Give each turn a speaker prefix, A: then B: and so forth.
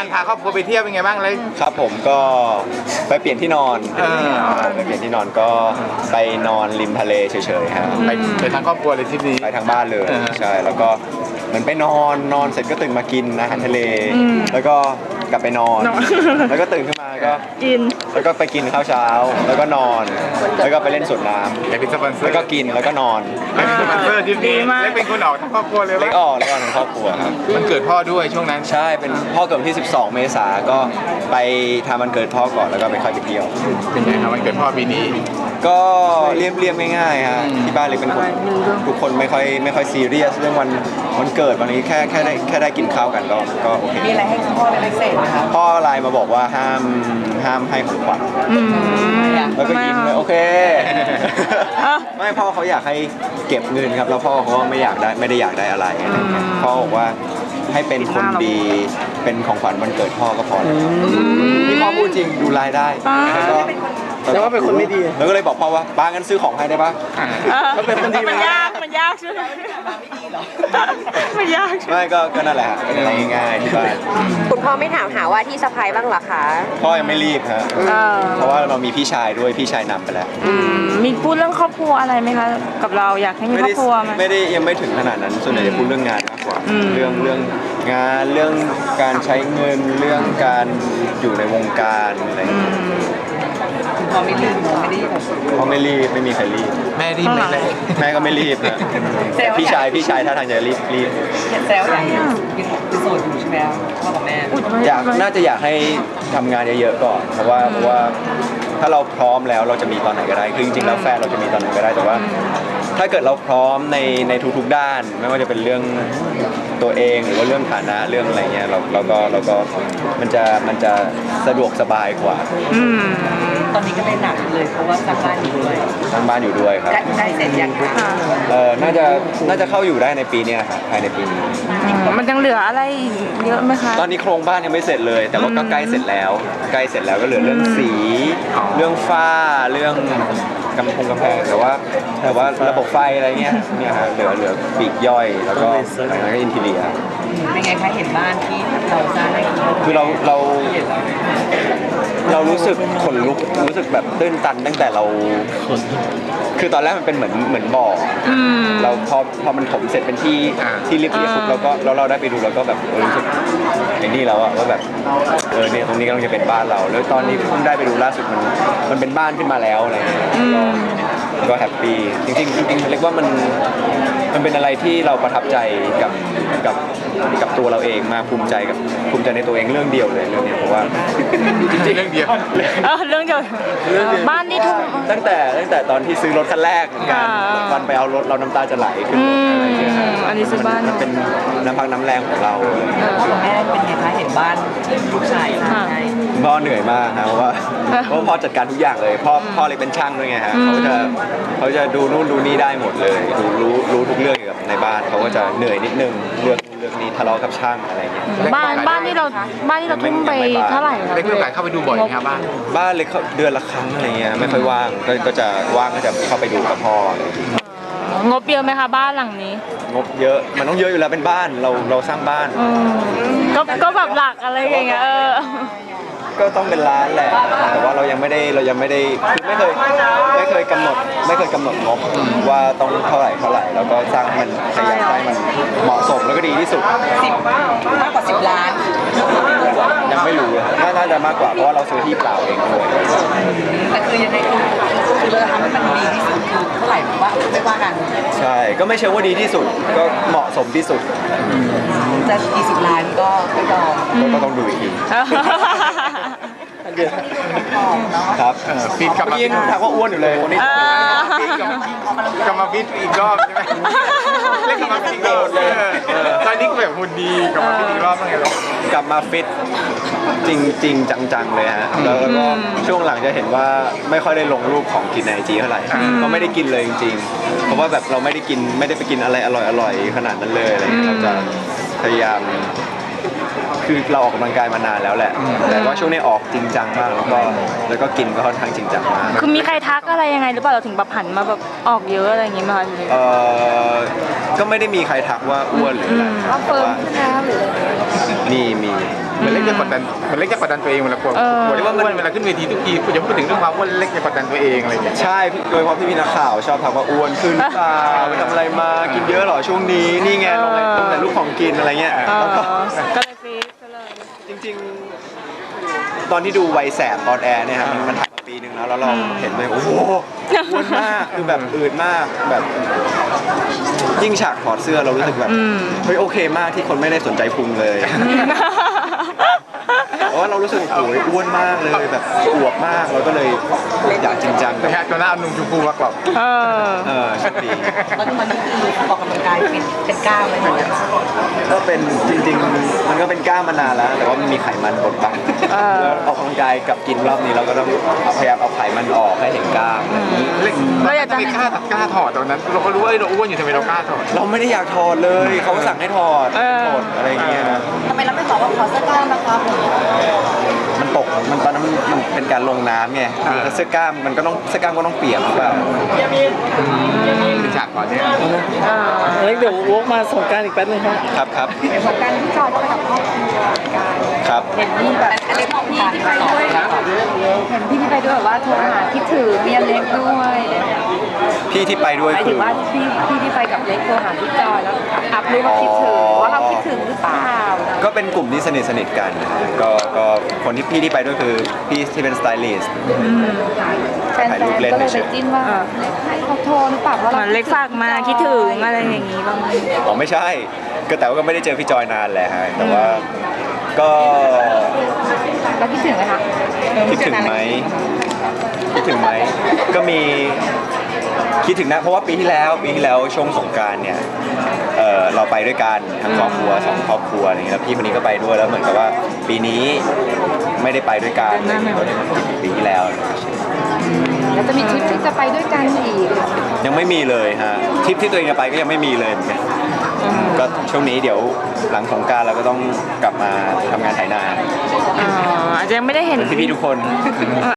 A: การพาครอบครัวไปเที่ยวเป็นไงบ้างเลย
B: ครับผมก็ไปเปลี่ยนที่นอนไปเปลี่ยนที่นอนก็ไปนอนริมทะเลเฉยๆฮะ
A: ไปทั้งครอบครัวเลยทริปนี้
B: ไปทางบ้านเลยใช่แล้วก็เหมือนไปนอนเสร็จก็ตื่นมากินอาหารทะเลแล้วก็กลับไปนอนแล้วก็ตื่นขึ้นมาก็
C: กิน
B: แล้วก็ไปกินข้าวเช้าแล้วก็นอนแล้วก็ไปเล่นสวนน้ำ
A: อยากเป็นสปอนเซอร์
B: แล้วก็กินแล้วก็นอน
A: เป็นสปอนเซอร์ทริปนี้เล็กเป็นคนออกทั้งครอบครัวเลย
B: เล็กออกทั้งครอบครัวครับ
A: มันเกิดพ่อด้วยช่วงนั้น
B: ใช่เป็นพ่อเกิดวันที่12 เมษายนก็ไปทำวันเกิดพ่อก่อนแล้วก็ไปค่อยไปเที่ยว
A: เป็นไงครับวันเกิดพ่อปีนี้
B: ก็เรียบง่ายๆฮะที่บ้านเลยเป็นคนทุกคนไม่ค่อยซีเรียสเรื่องวันเกิดวันนี้แค่ได้กินข้าวกันก็โอเค
D: มีอะไรให้พ่อเป็นพิเศษไหมครับ
B: พ่อไลน์มาบอกว่าห้ามให้ของขวัญแล้วก็ยิ้มเลยโอเคไม่พ่อเขาอยากให้เก็บเงินครับแล้วพ่อเขาไม่ได้อยากได้อะไรพ่อบอกว่าให้เป็นคนดีเป็นของขวัญวันเกิดพ่อก็พอแล้วนี่พ่อพูดจริงดูไลน์ได้
A: แต่ว่าเป็นคนไม่ดี
B: แล้วก็เลยบอกพ่อว่าป้างั้นซื้อของให้ได้ปะ
C: ก็เป็นคนดีมันยากใช่ไหมมันยาก
B: ไม่ก็นั่นแหละเป็นอะไรง่ายๆที่บ้าน
D: คุณพ่อไม่ถามหาว่าที่สะพายบ้างหรอคะ
B: พ่อยังไม่รีบฮะเพราะว่าเรามีพี่ชายด้วยพี่ชายนำไปแล้ว
C: มีพูดเรื่องครอบครัวอะไรไหมคะกับเราอยากให้มีครอบครัวไหม
B: ไม่ได้ยังไม่ถึงขนาดนั้นส่วนใหญ่จะพูดเรื่องงานมากกว่าเรื่องงานเรื่องการใช้เงินเรื่องการอยู่ในวงการอะไร
D: พ่อไม่รีบ
B: เขาไม่รีบไม่มีใครรีบ
A: แม่รีบไหม
B: แม่ก็ไม่รีบนะพี่ชายถ้าทางจะรีบ
D: แซวอย่างยังโสดอยู่ใช่ไหมพ่อกับแม่
B: น่าจะอยากให้ทำงานเยอะๆก่อนเพราะว่าถ้าเราพร้อมแล้วเราจะมีตอนไหนก็ได้คือจริงๆแล้วแฟนเราจะมีตอนไหนก็ได้แต่ว่าถ้าเกิดเราพร้อมในทุกๆด้านไม่ว่าจะเป็นเรื่องตัวเองหรือว่าเรื่องฐานะเรื่องอะไรเงี้ยเราก็มันจะสะดวกสบายกว่า
D: ตอนนี้ก็เลยหนักเลยเพราะว่าสร้างบ้านอยู่ด้วย
B: ครับ
D: ใกล้เสร็จยังคะ
B: น่าจะเข้าอยู่ได้ในปีนี้ครับภายในปีนี้
C: มันยังเหลืออะไรเยอะไหมคะ
B: ตอนนี้โครงบ้านยังไม่เสร็จเลยแต่ว่าก็ใกล้เสร็จแล้วก็เหลือเรื่องสีเรื่องฝ้าเรื่องกำแพงแต่ว่าระบบไฟอะไรเงี้ยเนี่ยฮะเหลือปีกย่อยแล้วก็อินทีเรีย
D: เป็นไงคะเห็นบ้านที่เราสร้าง
B: คือเรารู้สึกขนลุกรู้สึกแบบตื้นตันตั้งแต่เราคือตอนแรกมันเป็นเหมือนบ่อเราพอมันถมเสร็จเป็นที่เรียบปุ๊บเราได้ไปดูเราก็แบบรู้สึกอย่างนี้แล้วอะว่าแบบเนี่ยตรงนี้กำลังจะเป็นบ้านเราแล้วตอนนี้เพิ่งได้ไปดูล่าสุดมันเป็นบ้านขึ้นมาแล้วอะไรเงี้ยก็แฮปปี้จริงเรียกว่ามันเป็นอะไรที่เราประทับใจกับตัวเราเองมาภูมิใจในตัวเองเรื่องเดียวเลยเรื่องนี้เพราะว่า
A: จริงๆเรื่องเดียว
C: เรื่องเดียวบ้านนี่ทุก
B: ตั้งแต่ตอนที่ซื้อรถคันแรกกันวันไปเอารถเราน้ำตาจะไหลขึ้นอะไรอย่างเงี้ย
C: อันนี้ซื้อบ้าน
B: เป็นน้ำพักน้ำแรงของเรา
D: พ่อกับแม่เป็นไงคะเห็นบ้านลูกชาย
B: พ่อเหนื่อยมากนะเพราะว่าพ่อจัดการทุกอย่างเลยพ่อเลยเป็นช่างด้วยไงฮะเขาจะดูนู่นดูนี่ได้หมดเลยรู้ทุกเรื่องเกี่ยวกับในบ้านเขาก็จะเหนื่อยนิดนึงเรื่องนี้ทะเลาะกับช่างอะไรเงี้ย
C: บ้านที่เราทุ่มไปเท่าไหร่ครับ
A: เล็กมีโอกาสเข้าไปดูบ่อยไหมครับ
B: บ้านเล็กเดือนละครั้งอะไรเงี้ยไม่ค่อยว่างก็จะว่างก็จะเข้าไปดูกับพ่อง
C: บเยอะไหมคะบ้านหลังนี้
B: งบเยอะมันต้องเยอะอยู่แล้วเป็นบ้านเราสร้างบ้าน
C: ก็แบบหลักอะไรอย่างเงี้ย
B: ก็ต้องเป็นล้านแหละแต่ว่าเรายังไม่ได้คือไม่เคยกำหนดงบว่าต้องเท่าไหร่แล้วก็สร้างให้มันพยายามให้มันเหมาะสมแล้วก็ดีที่สุด
D: มากกว่า10 ล้าน
B: ยังไม่รู้น่าจะมากกว่าเพราะว่าเราซื้อที่เปล่าเองด้วย
D: แต่คือยังไงคือเราทำให้มันดีที่สุดคือเท่าไหร่ว่าไม่ว่ากัน
B: ใช่ก็ไม่ใช่ว่าดีที่สุดก็เหมาะสมที่สุด
D: จะกี่10 ล้านก็ไม่ยอม
B: ก็ต้องดูอีกทีครับ
A: ฟิตกลับมา
B: ยังถามว่าอ้วนอยู่เลยคนนี้
A: กลับมาฟิตอีกรอบใช่ไหมเล่นกลับมาฟิตอีกรอบตอนนี้ก็แบบหุ่นดีกลับมาฟิตอีกรอบเป็นไงล่ะ
B: กลับมาฟิตจริงจังเลยฮะแล้วก็ช่วงหลังจะเห็นว่าไม่ค่อยได้ลงรูปของกินในIGเท่าไหร่ก็ไม่ได้กินเลยจริงๆเพราะว่าแบบเราไม่ได้ไปกินอะไรอร่อยขนาดนั้นเลยอะไรเราจะพยายามคือเราออกกำลังกายมานานแล้วแหละแต่ว่าช่วงนี้ออกจริงจังมากแล้วก็กินก็ค่อนข้างจริงจังมาก
C: คือมีใครทักอะไรยังไงหรือเปล่าเราถึงแบบหันมาแบบออกเยอะอะไรอย่างงี้มา
B: ก็ไม่ได้มีใครทักว่าอ้วนหรืออะไร
C: ว่าเฟิร์มขึ้นแล้วหรือ
B: มี
A: มันเล็กจะกดดันตัวเองเวลากลัวกลัวที่ว่าอ้วนเวลาขึ้นเวทีทุกทีคุณจะพูดถึงเรื่องความอ้วนเล็กจะกดดันตัวเองอะไรอย่างเงี้ย
B: ใช่โดยเฉพาะพี่นักข่าวชอบถามว่าอ้วนขึ้นเปล่าไปทำอะไรมากินเยอะเหรอช่วงนี้นี่ไงลงแต่ลูกของกินอะไรเงี้ยแล้วก็
C: ก็เลยฟีดก็เลย
B: จริงๆ ตอนที่ดูวัยแสบตอนแอร์เนี่ยครับมันถ่ายมาปีนึงแล้วเราเห็นเลยโอ้โหอ้วนมากคือแบบอืดมากแบบยิ่งฉากถอดเสื้อเรารู้สึกแบบเฮ้ยโอเคมากที่คนไม่ได้สนใจพุงเลยเพราะว่าเรารู้สึกโอ้ยอ้วนมากเลยแบบอวบมากเราก็เลยอยากจริงจัง
A: แต่แค่ตัวหน้านุ่มชมพูมากกว่า
B: โชคดี
D: แล้วตอนนี้คือออกกำลังกายเป็นกล้ามเลยไหม
B: ก็เป็นจริงๆมันก็เป็นกล้ามมานานแล้ว แต่ว่ามันมีไขมันบดบังแล้วออกกำลังกายกับกินรอบนี้เราก็ต้องพยายามเอาไขมันออกให้เห็นกล้ามอะไรอย่างนี้
A: เล็กเราอยากจะไม่กล้าถอดตอนนั้นเราก็รู้ว่าเราอ้วนอยู่ทำไมเรากล้าถอด
B: เราไม่ได้อยากถอดเลยเขาก็สั่งให้ถอดอะไรอย่างเงี้ย
D: ทำไมเราไม่บอกว่าขอเสื้อกล้ามนะครับ
B: มันตกมันตอนนั้นมันเป็นการลงน้ำไงเสื้อกล้ามมันก็ต้องเสื้อกล้ามก็ต้องเปียกหรือเปล่า
A: เป็นฉากก่อนเนี่ย
E: เล็กเดี๋ยววกมาส่งกรารอีกแป๊บนึงครับ
B: ครับ
D: เหมือนกันที่จอยก็ไปกับครอบครัว
B: ครับ
D: เห็นนี่แบบอะไรของพี่ที่ไปด้วย
C: เห็นพี่ที่ไปด้วยแบบว่าโทรหาคิดถึงเมียเล็กด้วย
B: พี่ที่ไปด้วย
C: หมาย
B: คื
C: ถึ
B: อ
C: งว่าพี่ที่ไปกับเล็กโทรหาพี่จอยแล้วอัพรูปว่าคิดถึงว่าเราคิดถึงหรือเปล่า
B: ก็เป็นกลุ่มที่สนิทกันนะฮะก็คนที่พี่ที่ไปด้วยคือพี่ที่เป็นสไตลิสต์
C: แฟนๆก็เลยไปจิ้นว่าให้เขาโทรหรือเปล่าว่าเราเล็กฝากมาคิดถึงอะไรอย่างนี้บ้างไหม
B: อ๋อไม่ใช่ก็แต่ว่าก็ไม่ได้เจอพี่จอยนานแหละฮะแต่ว่าก็
C: แล้วคิดถึงไหมคะ
B: คิดถึงไหมก็มีคิดถึงนะเพราะว่าปีที่แล้วช่วงสงกรานต์เนี่ยเราไปด้วยกันทั้งครอบครัว2ครอบครัวอะไรเงี้ยแล้วพี่คนนี้ก็ไปด้วยแล้วเหมือนกับว่าปีนี้ไม่ได้ไปด้วยกันปีที่แล้ว
C: แล้วจะมีทริปที่จะไปด้วยกันอีก
B: ยังไม่มีเลยฮะทริปที่ตัวเองจะไปก็ยังไม่มีเลยเหมือนกันก็ช่วงนี้เดี๋ยวหลังสงกรานต์เราก็ต้องกลับมาทำงานไถนา
C: อาจจะยังไม่ได้เห็น
B: เหมือนพี่ๆทุกคน